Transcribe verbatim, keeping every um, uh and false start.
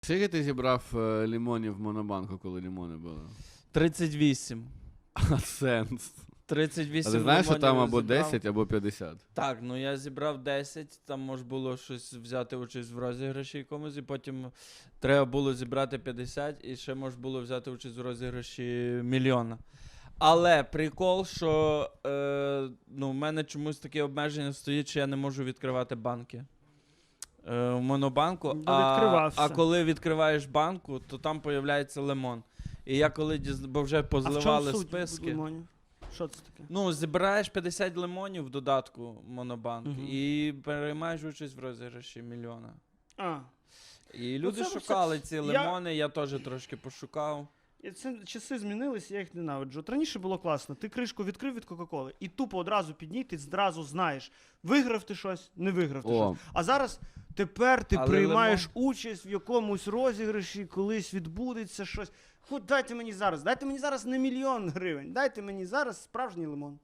Скільки ти зібрав е, лімонів в Монобанку, коли лімони були? тридцять вісім. А сенс. тридцять А вісім ти знаєш, що там лимонів або зібрав. десять, або п'ятдесят? Так, ну я зібрав десять, там можна було щось взяти участь в розіграші якомусь, і потім треба було зібрати п'ятдесят, і ще можна було взяти участь в розіграші мільйона. Але прикол, що е, ну, в мене чомусь таке обмеження стоїть, що я не можу відкривати банки. Е, в Монобанку, Ну, а, відкривався. а коли відкриваєш банку, то там появляється лимон. І я коли дізна... бо вже А в позливали чому суть списки. лимонів? Що це таке? Ну, збираєш п'ятдесят лимонів в додатку Монобанк Мгм. і переймаєш участь в розіграші мільйона. А, І люди це- це- шукали ці я- лимони, я теж трошки пошукав. і це часи змінились, я їх ненавиджу. От раніше було класно. Ти кришку відкрив від Кока-Коли і тупо одразу підній, ти одразу знаєш, виграв ти щось, не виграв ти О. щось. А зараз тепер ти Але приймаєш участь в якомусь розіграші, колись відбудеться щось. Хоч дайте мені зараз, дайте мені зараз не мільйон гривень, дайте мені зараз справжній лимон.